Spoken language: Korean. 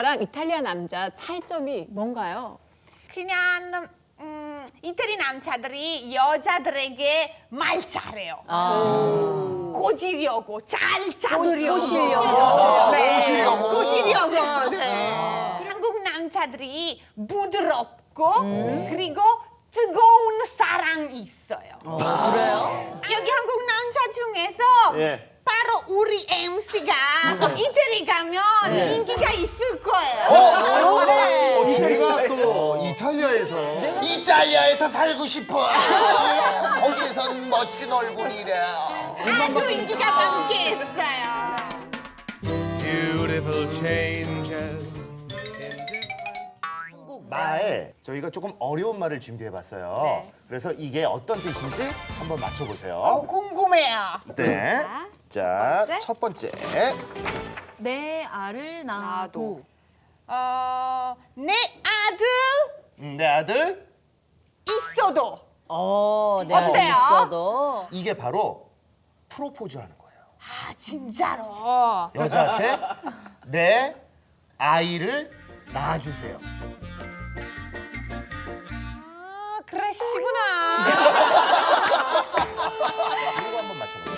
남자랑 이탈리아 남자 차이점이 뭔가요? 그냥 이태리 남자들이 여자들에게 말 잘해요. 꼬지려고, 잘 잡으려고. 꼬시려고. 네. 꼬시려고. 네. 한국 남자들이 부드럽고 그리고 뜨거운 사랑이 있어요. 그래요? 여기 한국 남자 중에서 예. 바로 우리 MC가 이태리 가면 인기가 있을 거예요. 네. 제가 또 이탈리아에서 이탈리아에서 살고 싶어. 거기선 멋진 얼굴이래. 아주 인기가 많겠어요. Beautiful changes. 한국 말 저희가 조금 어려운 말을 준비해봤어요. 그래서 이게 어떤 뜻인지 한번 맞춰보세요. 궁금해요. 네. 자, 첫 번째. 내 알을 낳아도. 내 아들 내 아들. 있어도 내 알이 어때요? 있어도. 이게 바로 프로포즈하는 거예요. 아 진짜로 여자한테 내 아이를 낳아주세요. 그러시구나. 이거 한번 맞춰보세요.